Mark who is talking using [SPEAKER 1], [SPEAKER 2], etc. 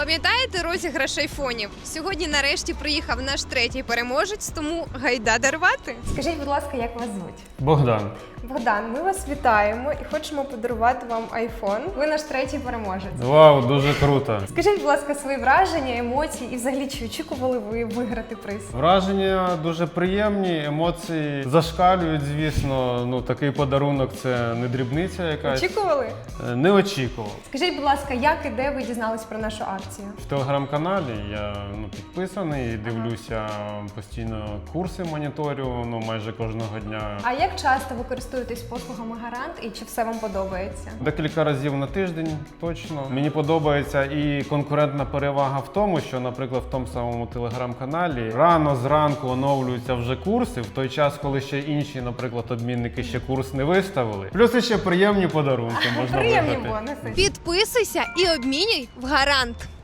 [SPEAKER 1] Пам'ятаєте розіграш айфонів? Сьогодні нарешті приїхав наш третій переможець, тому гайда дарувати.
[SPEAKER 2] Скажіть, будь ласка, як вас звуть?
[SPEAKER 3] Богдан.
[SPEAKER 2] Богдан, ми вас вітаємо і хочемо подарувати вам айфон. Ви наш третій переможець.
[SPEAKER 3] Вау, дуже круто.
[SPEAKER 2] Скажіть, будь ласка, свої враження, емоції і взагалі, чи очікували ви виграти приз?
[SPEAKER 3] Враження дуже приємні, емоції зашкалюють, звісно. Ну, такий подарунок – це не дрібниця якась.
[SPEAKER 2] Очікували?
[SPEAKER 3] Не очікував.
[SPEAKER 2] Скажіть, будь ласка, як і де ви дізнались про нашу акцію?
[SPEAKER 3] В телеграм-каналі я підписаний, дивлюся постійно курси, моніторю, майже кожного дня.
[SPEAKER 2] А як часто ви користуєтесь послугами Гарант і чи все вам подобається?
[SPEAKER 3] Декілька разів на тиждень, точно. Мені подобається і конкурентна перевага в тому, що, наприклад, в тому самому телеграм-каналі рано зранку оновлюються вже курси, в той час, коли ще інші, наприклад, обмінники ще курс не виставили. Плюс ще приємні подарунки можна
[SPEAKER 2] Приємні
[SPEAKER 3] виграти.
[SPEAKER 2] бонуси.
[SPEAKER 1] Підписуйся і обмінюй в Гарант.